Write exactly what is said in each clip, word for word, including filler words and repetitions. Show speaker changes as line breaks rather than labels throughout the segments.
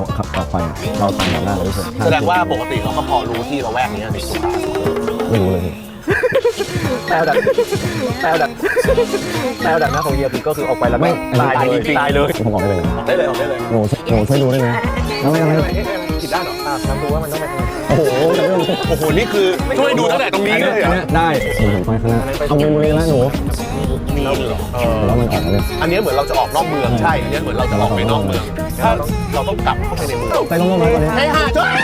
ขับต่อไปเราตามหน้าเราเฉย
แสดงว่าปกติเราก็พอรู้ที่เราแวกนี้ในสุขา
ไม่รู้เลย
แปลดักแปลดักแปลดักหน้าของเฮียคือก็คือออกไปแล้วไม่ตายเลยตายเลย
ผมบอกได้เลย
ได้เลยออกได้เลย
หนูหนูช่วยดูได้ไหมแล้วไม่ไม่
ผิดด้านเหรอ
ทำดูว่ามันต้องไปทางไหน
โอ้โห
โอ้โหนี่คือช่วยดูตั้งแต่ตรงนี้เลยเหรอ
ได้หนูไปข้างหน้าเอามือมือแล้วหนู
มีเหรอเออ
แล้วมันออกเลย
อันนี้เหมือนเราจะออกนอกเมืองใช่อันนี้เหมือนเราจะออกไปนอกเมืองถ้าเราต้องกลับเข้าไปในเมือง
ไปลงมาตอนนี้
ไอ้ห่าจ้ะ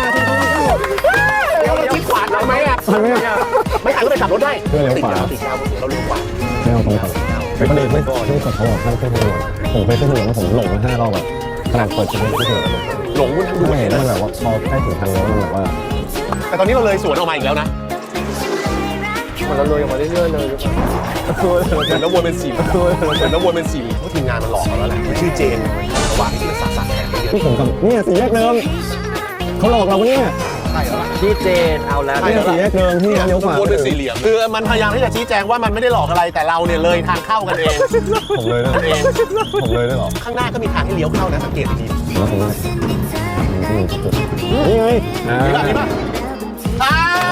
เราคิดขวาได้ไหมอ่ะไม่หันก็ไปขับรถได้ติดยาวติดยาวเราเร็วกว่า
ไม่เอาตรงๆไปก็เลยไม่ไม่กดเขาบอกให้ขึ้นถนนผมไปขึ้นถนนแล้วผมหลงมาห้ารอบแบบขนาดเปิดจะไม่ขึ้นถนน
หลงมันดู
ดู
เห็
เห็
น
นมันแบบว่าพอใกล้ถึงทางแล้วมันแบบว่า
แต่ตอนนี้เราเลยสวนออกมาอีกแล้วนะ
มันเราเลยออกมาเรื่อยๆเลย
เหมือนน้ำวนเป็นสี่เหมือนน้ำวนเป็นสี่เพราะทีมงานมันหลอกเราแล้วแหละมันชื่อเจนระหว่างที่มันสักสักแทนเยอะ
ที่ผมกับเนี่ยสี่แยกเดิมเขาหลอกเราปะเนี่ย
ใช่แล้วล่ะ
พี่เจนเอาแล้ว
เนี่ยสี่แยกเดิมที่เลี้ยวขวา
วนเป็นสี่เหลี่ยมคือมันพยายามที่จะชี้แจงว่ามันไม่ได้หลอกอะไรแต่เราเนี่ยเลยทางเข้ากันเอง
ผมเลยด้วย
เอง
ผมเลยด้วยหรอ
ข้างหน้าก็มีทางให้เลี้ยวเข้านะสังเกตดี
แล้วผมนี่ไง
ๆนี่ป่ะนี่ป่ะอ่า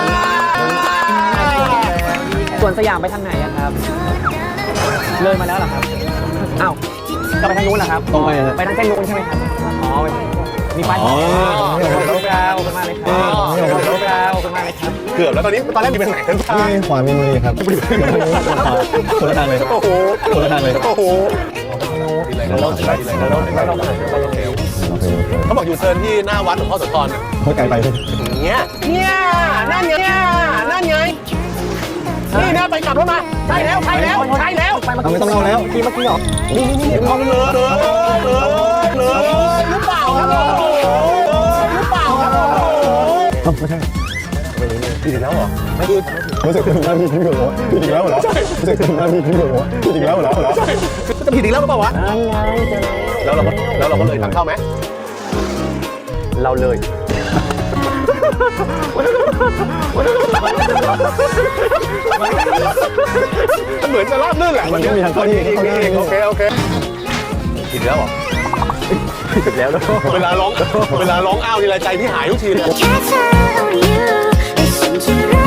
ส่วนสยามไปทางไหนอะครับ เลยมาแล้วเหรอครับอ้าวจะไปทางนู้นเหรอครับ
ตรงไปเลย
ไปทางเส้นนู้นใช่ไหมครับอ๋อมีป้าย
อ๋อ
โลกดาวขึ้นมาเลยครับโลกดาวขึ้นมาเลยครับ
เกือบแล้วตอนนี้ตอนแรกมีไปทางไหนกันบ้าง
นี่ขวามีมือครับคนละทางเลย
โอ้โห
คนละทางเลย
โอ้โห
เราเราเราเรา
เขาบอกอยู่เซิร์นที่หน้าวัดหลวงพ่อโสธร
เขาไกลไป
เนี่ยเนี่ยนั่นไงเนี่ยนั่นไงนี่นะไปกลับรถมาใช่แล้วใช่แล้วใช่แล้ว
เอาไม่ต้องเล่าแล้ว
ที่เมื่อกี้เหรอ
นี่นี่นี่เอาเลยเลยเลยเลยหรือเปล่าครับหรือเปล่าครับ
ไม่ใช่
ผิดอีกแล้วเหรอ
รู้สึกเป็นหน้าที่ที่ถูกผิดอีกแล้วเหรอรู้สึกเป็นหน้าที่ที่ถูกผิดอีกแล้วเหรอ
จะผิดอีกแล้วหรือเปล่าวะ
นั่นไงเจอ
แล้วเราก็แล้วเราก็เลยทางเข้าไหม
เราเลย
มันเหมือนจะราบลื่นแหละ
มันก็มีทางเข้าที่เข้าได้
โอเคโอเคผิดแล้วเหรอ
ผิดแล้วแล้ว
เวลาร้องเวลาร้องอ้าวทีไรใจพี่หายทุกทีเลย
แค่เธอเอาอยู่และฉันจะรั